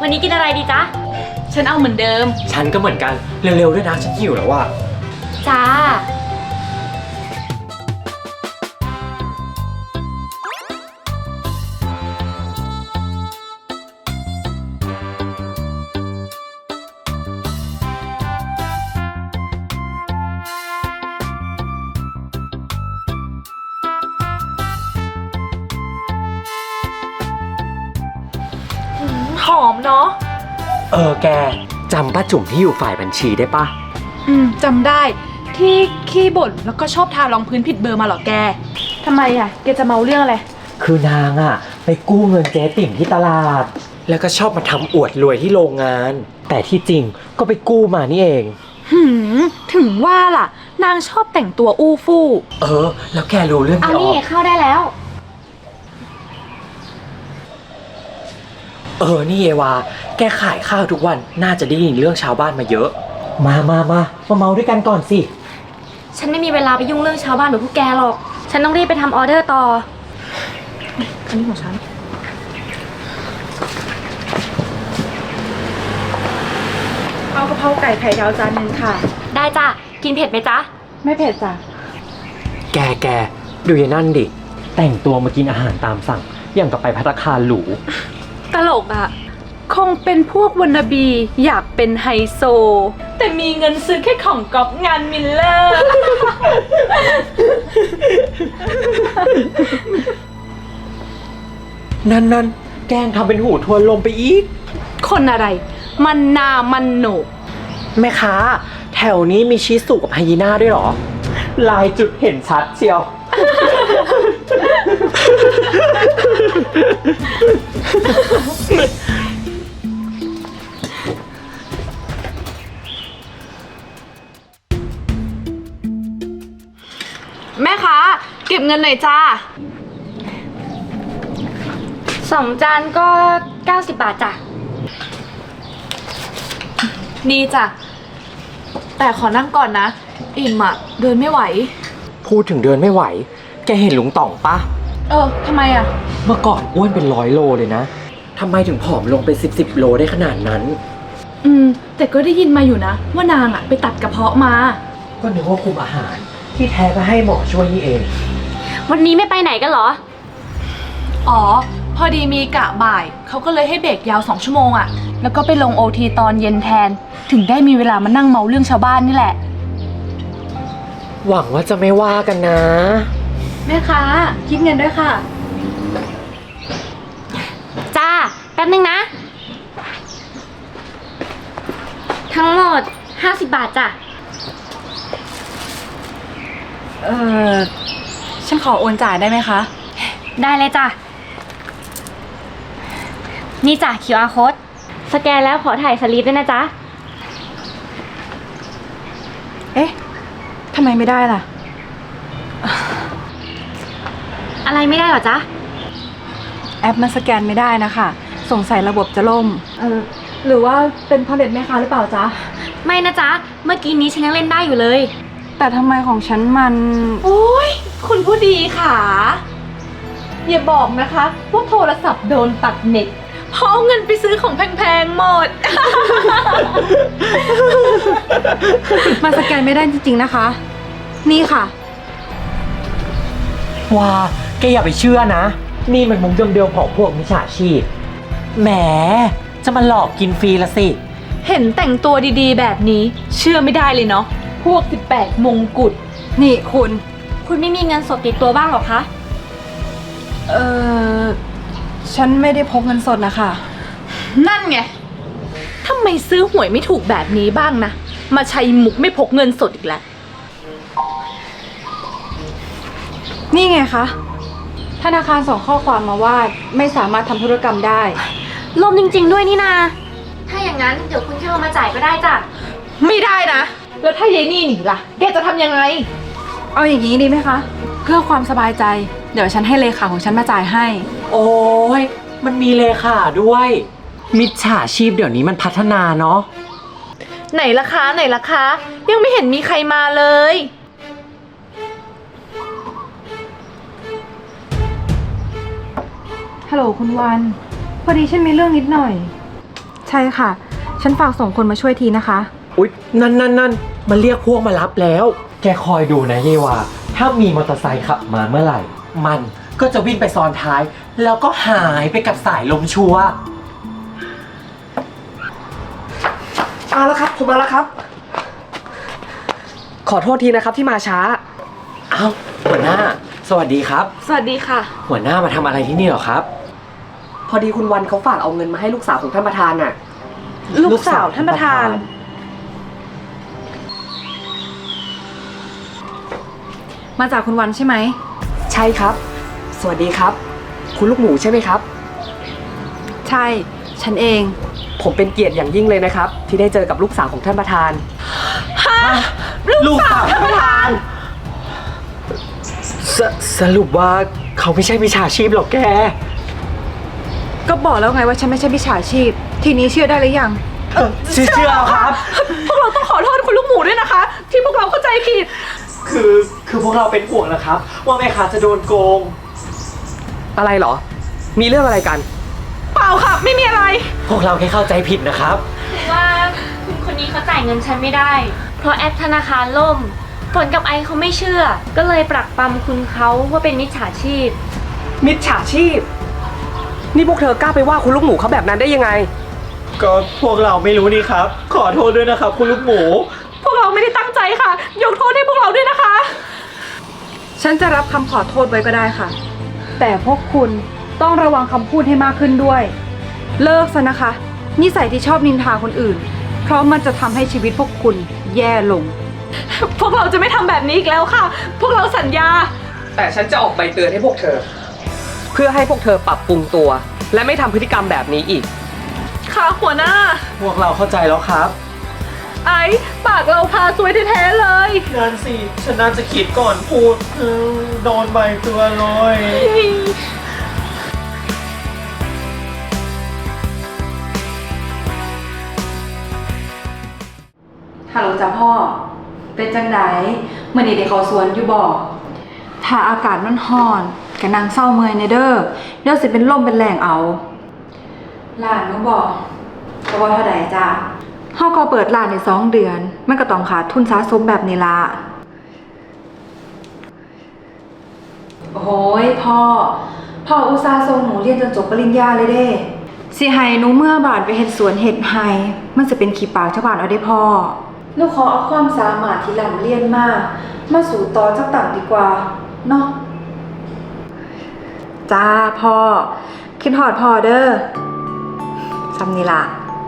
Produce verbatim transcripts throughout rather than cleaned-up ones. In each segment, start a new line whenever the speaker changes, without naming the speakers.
วันนี้กินอะไรดีจ๊ะ
ฉันเอาเหมือนเดิม
ฉันก็เหมือนกันเร็วๆด้วยนะฉันหิวแล้วว่ะ
จ้า
หอมเนาะ
เออแกจำป้าจุ๋มที่อยู่ฝ่ายบัญชีได้ปะ
อืมจำได้ที่ขี้บ่นแล้วก็ชอบทารองพื้นผิดเบอร์มาหรอแกทำไมอ่ะแกจะเมาเรื่องอะไร
คือนางอ่ะไปกู้เงินเจ๊ติ่มที่ตลาดแล้วก็ชอบมาทำอวดรวยที่โรงงานแต่ที่จริงก็ไปกู้มานี่เอง
หืมถึงว่าล่ะนางชอบแต่งตัวอู้ฟู่
เออแล้วแกรู้เรื่อง
เอานี่เข้าได้แล้ว
เออนี่เอวาแกขายข้าวทุกวันน่าจะได้ยินเรื่องชาวบ้านมาเยอะมามามามาเมาด้วยกันก่อนสิ
ฉันไม่มีเวลาไปยุ่งเรื่องชาวบ้านหรือพวกแกหรอกฉันต้องรีบไปทำออเดอร์ต่อ
อันนี้ของฉันเอากะเพราไก่ไข่ดาวจานนึงค่ะ
ได้จ้ะกินเผ็ดไหมจ๊ะ
ไม่เผ็ดจ้ะ
แกแกดูอย่างนั่นดิแต่งตัวมากินอาหารตามสั่งอย่างกับไปภัตตาคารหรู
ตลกอ่ะคงเป็นพวกวันนาบีอยากเป็นไฮโซแต่มีเงินซื้อแค่ของก๊อปงานมิลเลอร์
นั่นนั่นแกล้งทำเป็นหูทวนลมไปอีก
คนอะไรมันนามันโหนก
แม่ค้าแถวนี้มีชิสุกับไฮยีน่าด้วยเหรอลายจุดเห็นชัดเชียว
แม่ค้าเก็บเงินหน่อยจ้า
สองจานก็เก้าสิบบาทจ้ะ
นี่จ้ะแต่ขอนั่งก่อนนะอิ่มอ่ะเดินไม่ไหว
พูดถึงเดินไม่ไหวแกเห็นลุงต่องปะ
เออทำไมอ่ะ
เมื่อก่อนอ้วนเป็นร้อยโลเลยนะทำไมถึงผอมลงเป็นสิบสิบโลได้ขนาดนั้น
อืมแต่ก็ได้ยินมาอยู่นะว่านางอ่ะไปตัดกระเพาะมา
ก็นึกว่าคุมอาหารที่แท้ก็ให้หมอช่วยนี่เอง
วันนี้ไม่ไปไหนกันเหรอ
อ๋อพอดีมีกะบ่ายเขาก็เลยให้เบรกยาวสองชั่วโมงอ่ะแล้วก็ไปลงโอทีตอนเย็นแทนถึงได้มีเวลามานั่งเมาเรื่องชาวบ้านนี่แหละ
หวังว่าจะไม่ว่ากันนะ
แม่ค้าคิดเงินด้วยค่ะ
จ้าแป๊บนึงนะทั้งหมดห้าสิบบาทจ้ะ
เออฉันขอโอนจ่ายได้ไหมคะ
ได้เลยจ้ะนี่จ้ะ คิว อาร์ Code สแกนแล้วขอถ่ายสลิปด้วยนะจ๊ะ
เอ๊ะทำไมไม่ได้ล่ะ
อะไรไม่ได้หรอจ๊ะ
แอปมันสแกนไม่ได้นะคะสงสัยระบบจะล่มเออหรือว่าเป็นพาเลตแม่ค้าหรือเปล่าจ๊ะ
ไม่นะจ๊ะเมื่อกี้นี้ฉันยังเล่นได้อยู่เลย
แต่ทำไมของฉันมันโอ้ยคุณผู้ดีค่ะอย่าบอกนะคะว่าโทรศัพท์โดนตัดเน็ตเพราะเอาเงินไปซื้อของแพงๆหมดมาสแกนไม่ได้จริงๆนะคะนี่ค่ะ
ว้าแกอย่าไปเชื่อนะนี่มันมุกเดิมๆของพวกมิจฉาชีพแหมจะมาหลอกกินฟรีละสิ
เห็นแต่งตัวดีๆแบบนี้เชื่อไม่ได้เลยเนาะพวกสิบแปดมงกุฎนี่คุณ
คุณไม่มีเงินสดติดตัวบ้างหรอคะ
เออฉันไม่ได้พกเงินสดนะคะนั่นไงทำไมซื้อหวยไม่ถูกแบบนี้บ้างนะมาใช้มุกไม่พกเงินสดอีกแล้วนี่ไงคะธนาคารส่งข้อความมาว่าไม่สามารถทำธุรกรรมได้
ลมจริงๆด้วยนี่นาถ้าอย่างนั้นเดี๋ยวคุณแค่เอามาจ่ายก็ได้จ้ะ
ไม่ได้นะแล้วถ้ายายนี่หนีล่ะแกจะทำยังไงเอาอย่างนี้ดีไหมคะเพื่อความสบายใจเดี๋ยวฉันให้เลขาของฉันมาจ่ายให้
โอ้ยมันมีเลขาด้วยมิจฉาชีพเดี๋ยวนี้มันพัฒนาเนาะ
ไหนล่ะคะไหนล่ะคะยังไม่เห็นมีใครมาเลยฮัลโหลคุณวันพอดีฉันมีเรื่องนิดหน่อยใช่ค่ะ ฉันฝากส่งคนมาช่วยทีนะคะ
อุ๊ย นั่นนั่นนั่นมันเรียกพวกมารับแล้ว แกคอยดูนะเยวาถ้ามีมอเตอร์ไซค์ขับมาเมื่อไหร่ มันก็จะวิ่งไปซ้อนท้าย แล้วก็หายไปกับสายลมชัวร์
มาแล้วครับ ผมมาแล้วครับ ขอโทษทีนะครับที่มาช้า
เอ้าหัวหน้า สวัสดีครับ
สวัสดีค่ะ
หัวหน้ามาทำอะไรที่นี่เหรอครับ
พอดีคุณวันเขาฝากเอาเงินมาให้ลูกสาวของท่านประธานน่ะ
ลูกสาวท่านประธาน มาจากคุณวันใช่ไหม
ใช่ครับ สวัสดีครับ คุณลูกหมูใช่ไหมครับ
ใช่ ฉันเอง
ผมเป็นเกียรติอย่างยิ่งเลยนะครับ ที่ได้เจอกับลูกสาวของท่านประธาน
ลูกสาวท่านประธานสสรุปว่าเขาไม่ใช่มิจฉาชีพหรอกแก
ก็บอกแล้วไงว่าฉันไม่ใช่มิจฉาชีพ ทีนี้เชื่อได้หรือยัง
เออเชื่อครับ
พวกเราต้องขอโทษคุณลูกหมูด้วยนะคะ ที่พวกเราเข้าใจผิด
คือคือพวกเราเป็นห่วงนะครับ ว่าแม่ค้าจะโดนโกง
อะไรเหรอ มีเรื่องอะไรกัน
เปล่าค่ะ ไม่มีอะไร
พวกเราแค่เข้าใจผิดนะครับ
คือว่าคุณคนนี้เขาจ่ายเงินฉันไม่ได้ เพราะแอปธนาคารล่ม ฝนกับไอเขาไม่เชื่อ ก็เลยปรักปรำคุณเขาว่าเป็นมิจฉาชีพ
มิจฉาชีพ นี่พวกเธอกล้าไปว่าคุณลูกหมูเขาแบบนั้นได้ยังไง
ก็พวกเราไม่รู้นี่ครับ ขอโทษด้วยนะครับ คุณลูกหมู
พวกเราไม่ได้ตั้งใจค่ะ ยกโทษให้พวกเราด้วยนะคะ ฉันจะรับคำขอโทษไว้ก็ได้ค่ะ แต่พวกคุณต้องระวังคำพูดให้มากขึ้นด้วย เลิกซะนะคะ นิสัยที่ชอบนินทาคนอื่น เพราะมันจะทำให้ชีวิตพวกคุณแย่ลง พวกเราจะไม่ทำแบบนี้อีกแล้วค่ะ พวกเราสัญญา
แต่ฉันจะออกใบเตือนให้พวกเธอ เพื่อให้พวกเธอปรับปรุงตัว และไม่ทำพฤติกรรมแบบนี้อีก
ค่ะหัวหน้า
พวกเราเข้าใจแล้วครับ
ไอ้ปากเราพาซวยแท้ๆเลย
นั่นสิ ฉันน่าจะคิดก่อนพูดเออโดนใบเตือนเลย
ฮัลโหลจ้ะพ่อ เป็นจังไดเมื่อนี้เด็กเขาสวนอยู่บ่ถ้าอากาศมันร้อนกะนางเศร้าเมื่อยในเด้อเดี๋ยวสิเป็นลมเป็นแรงเอาร้านก็บอกก็บ่เท่าใดจ้ะเฮาก็เปิดร้านได้สองเดือน มันก็ต้องขาดทุนสะสมแบบนี้ละโอ้ยพ่อ พ่ออุตส่าห์ส่งหนูเรียนจนจบปริญญาเลยเด้สิให้หนูเมื่อบาดไปเฮ็ดสวนเฮ็ดไห้มันจะเป็นขี้ปากชาวบ้านเอาได้พ่อหนูขอเอาความสามารถที่ร่ำเรียนมามาสู่ต่อจักต่างดีกว่าเนาะจ้าพ่อคิดฮอดพ่อเด้อซำนี่ล่ะ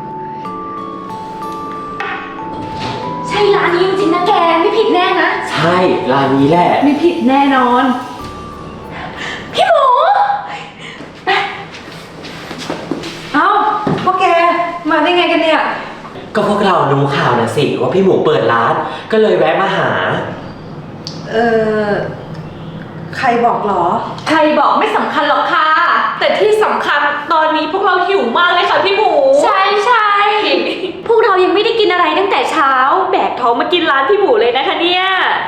ใช่ร้านนี้จริงๆนะแก ไม่ผิดแน่นะ
ใช่ ร้านนี้แหละ
ไม่ผิดแน่นอน พี่หมูเอ้าพวกแกมาได้ไงกันเนี่ย
ก็พวกเรารู้ข่าวนะสิ ว่าพี่หมูเปิดร้าน ก็เลยแวะมาหา
เออใครบอกหรอ
ใครบอกไม่สำคัญหรอกค่ะ แต่ที่สำคัญตอนนี้พวกเราหิวมากเลยค่ะพี่หมู
ใช่ใช่ พวกเรายังไม่ได้กินอะไรตั้งแต่เช้า แบกท้องมากินร้านพี่หมูเลยนะคะเนี่ย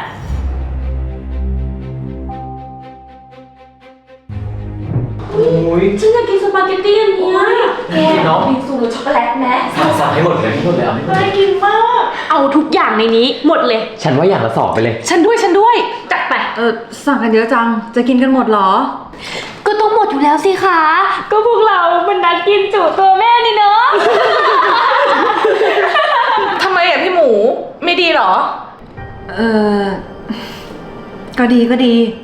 โอ้ย
ฉันอยากกินสปาเกตตี้อันเนี้ยแก
เนาะ
บิงซูรสช็อกโกแลตไหม
สั่งสั่งให้หมดเลยให้หมดเลยเอาให้หมด
น่า
เลย
กินมาก
เอาทุกอย่างในนี้หมดเลย
ฉันว่าอย่างละสองไปเลย
ฉันด้วยฉันด้วย
จัดไป
เออสั่งกันเยอะจัง จะกินกันหมดเหรอ
ก็ต้องหมดอยู่แล้วสิคะ ก็พวกเรามันนัดกินจุตัวแม่นี่เนาะ
ทำไมอ่ะพี่หมู ไม่ดีเหรอ
เออก็ดีก็ดี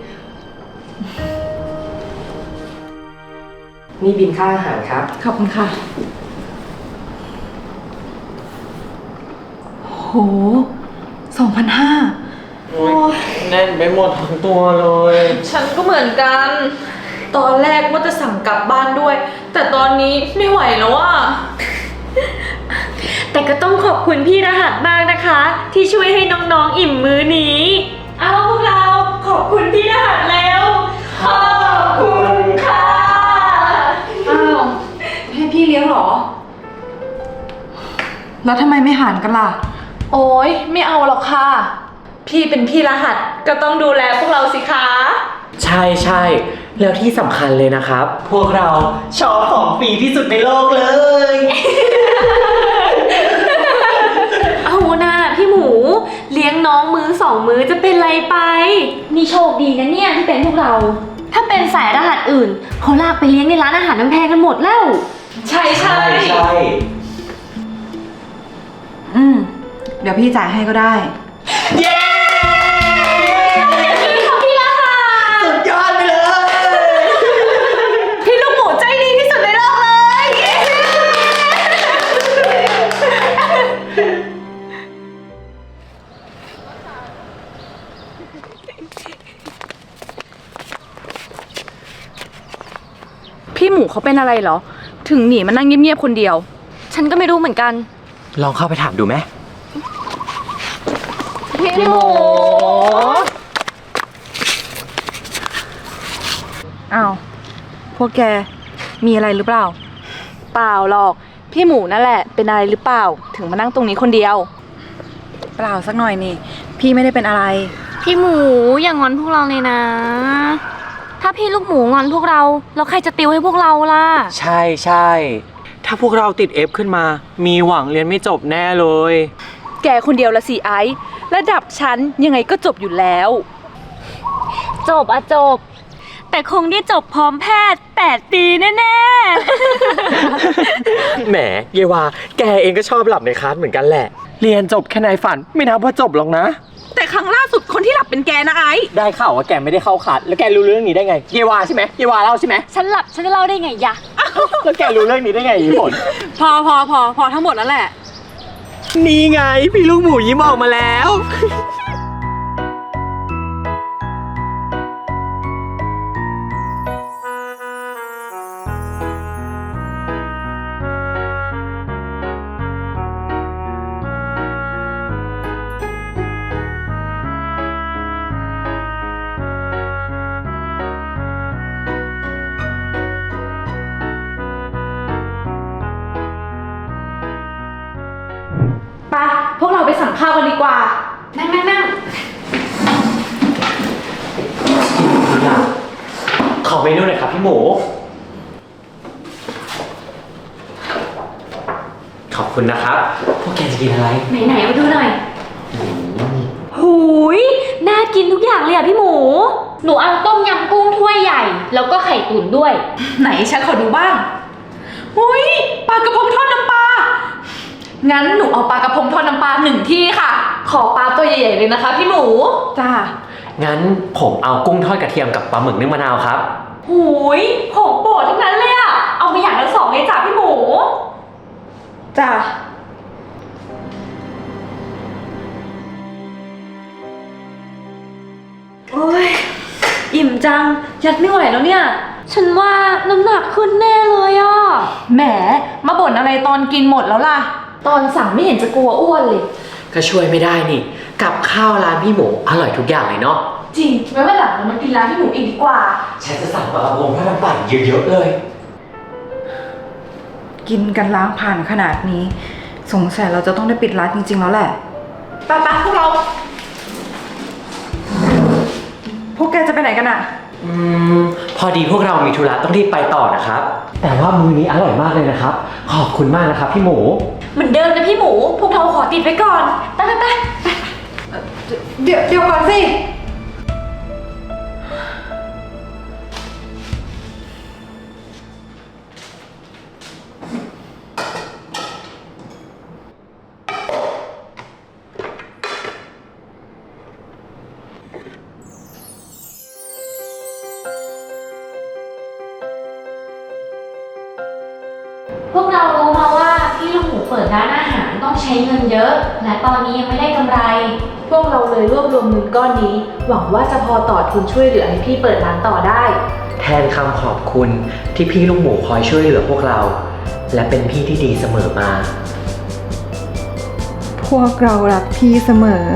นี่บินค่าอาหารครับ
ขอบคุณค่ะ โหสองพันห้า
แน่นไปหมดทั้งตัวเลย
ฉันก็เหมือนกัน ตอนแรกว่าจะสั่งกลับบ้านด้วย แต่ตอนนี้ไม่ไหวแล้วอ่ะ
แต่ก็ต้องขอบคุณพี่รหัสมากนะคะ ที่ช่วยให้น้องๆอิ่มมื้อนี้ เอาพวกเราขอบคุณพี่รหัสแล้ว ขอบคุณค่ะ
อ้าวให้พี่เลี้ยงเหรอ แล้วทำไมไม่หารกันล่ะ
โอ๊ยไม่เอาหรอกค่ะ พี่เป็นพี่รหัสก็ต้องดูแลพวกเราสิคะ
ใช่ใช่แล้วที่สำคัญเลยนะครับ พวกเราชอบของฟรีที่สุดในโลกเลย
น้องๆมื้อสองมื้อจะเป็นไรไป นี่โชคดีนะเนี่ยที่เป็นพวกเรา ถ้าเป็นสายรหัสอื่นเขาลากไปเลี้ยงในร้านอาหารน้ำแพงกันหมดแล้ว
ใช่ใช่
ใช่
อืม เดี๋ยวพี่จ่ายให้ก็ได้
เย้สุดยอดไปเลย
พี่ลูกหมูใจดีที่สุดในโลกเลย พี่หมูเขาเป็นอะไรเหรอ ถึงหนีมานั่งเงียบๆคนเดียว
ฉันก็ไม่รู้เหมือนกัน
ลองเข้าไปถามดูไหม
พี่หมู
อ้าว พวกแก มีอะไรหรือเปล่า
เปล่าหรอก พี่หมูนั่นแหละ เป็นอะไรหรือเปล่า ถึงมานั่งตรงนี้คนเดียว
เปล่าสักหน่อยนี่ พี่ไม่ได้เป็นอะไร
พี่หมูอย่างอนพวกเราเลยนะ ถ้าพี่ลูกหมูงอนพวกเราแล้วใครจะติวให้พวกเราล่ะ
ใช่ใช่ถ้าพวกเราติด F ขึ้นมา มีหวังเรียนไม่จบแน่เลย
แกคนเดียวละสิไอซ์ระดับฉันยังไงก็จบอยู่แล้ว
จบอะจบ แต่คงได้จบพร้อมแพทย์แปดปีแน่
แหมเยวา แกเองก็ชอบหลับในคลาสเหมือนกันแหละ เรียนจบแค่ในฝัน ไม่นับว่าจบหรอกนะ
แต่ครั้งล่าสุดคนที่หลับเป็นแกนะไอซ์
ได้ข่าวว่าแกไม่ได้เข้าคลาสแล้วแกรู้เรื่องนี้ได้ไง เยวาใช่ไหมเยวาเล่าใช่ไหม
ๆ ฉันหลับฉันจะเล่าได้ไงยะ
แล้วแกรู้เรื่องนี้ได้ไงอีฝน
พอพอพอพอทั้งหมดแล้วแหละ
นี่ไงพี่ลูกหมูยิ้มออกมาแล้ว
ไป พวกเราไปสั่งข้าวกันดีกว่า
นั่งนั่งนั่ง
ขอเมนูหน่อยครับพี่หมู ขอบคุณนะครับ พวกแกจะกินอะไร
ไหนๆมาดูหน่อย หูย น่ากินทุกอย่างเลยอะพี่หมู หนูเอาต้มยำกุ้งถ้วยใหญ่ แล้วก็ไข่ตุ๋นด้วย
ไหนฉันขอดูบ้างอุ้ยปลากระพงทอดน้ำปลา งั้นหนูเอาปลากระพงทอดน้ำปลาหนึ่งที่ค่ะ
ขอปลาตัวใหญ่ๆเลยนะคะพี่หมู
จ้า
งั้นผมเอากุ้งทอดกระเทียมกับปลาหมึกนึ่งมะนาวครับ
หูย ของโปรดทั้งนั้นเลยอะเอามาอย่างละสองเลยจ้ะพี่หมู
จ้า
โอ้ย อิ่มจัง ยัดไม่ไหวแล้วเนี่ย ฉันว่าน้ำหนักขึ้นแน่เลยอะ
แหม มาบ่นอะไรตอนกินหมดแล้วล่ะ
ตอนสั่งไม่เห็นจะกลัวอ้วนเลย
ก็ช่วยไม่ได้นี่ กับข้าวร้านพี่หมูอร่อยทุกอย่างเลยเนาะ
จริงไว้วันหลังเรามากินร้านพี่หมูอีกดีกว่า
ฉันจะสั่งปลากระพงทอดน้ำปลาเยอะๆเลย
กินกันล้างผ่านขนาดนี้ สงสัยเราจะต้องได้ปิดร้านจริงๆแล้วแหละ
ไปไปพวกเรา
พวกแกจะไปไหนกันอะ
อืม พอดีพวกเรามีธุระต้องรีบไปต่อนะครับ แต่ว่ามื้อนี้อร่อยมากเลยนะครับ ขอบคุณมากนะครับพี่หมู
เหมือนเดิมนะพี่หมู พวกเราขอติดไว้ก่อน ไปไปไป
เดี๋ยวเดี๋ยวก่อนสิ
พวกเรารู้มาว่าพี่ลูกหมูเปิดร้านอาหารต้องใช้เงินเยอะ และตอนนี้ยังไม่ได้กำไร
พวกเราเลยรวบรวมเงินก้อนนี้ หวังว่าจะพอต่อทุนช่วยเหลือให้พี่เปิดร้านต่อได้
แทนคำขอบคุณที่พี่ลูกหมูคอยช่วยเหลือพวกเรา และเป็นพี่ที่ดีเสมอมา
พวกเรารักพี่เสมอ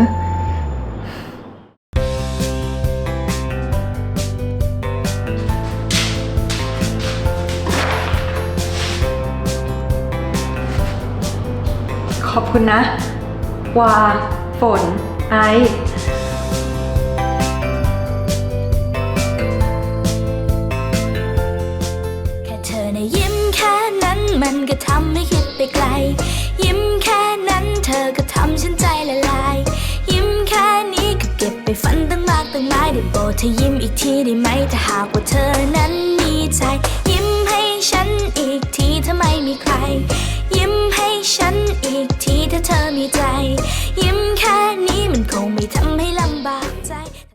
ขอบคุณนะ วา ฝน ไอซ์
แค่เธอในะยิ้มแค่นั้นมันก็ทำให้คิดไปไกล ยิ้มแค่นั้นเธอก็ทำฉันใจละลาย ยิ้มแค่ตั้งหลายได้โปรดเธอยิ้มอีกทีได้ไหมถ้าหากว่าเธอนั้นมีใจ ยิ้มให้ฉันอีกทีถ้าไม่มีใคร ยิ้มให้ฉันอีกทีถ้าเธอมีใจ ยิ้มแค่นี้มันคงไม่ทำให้ลำบากใจ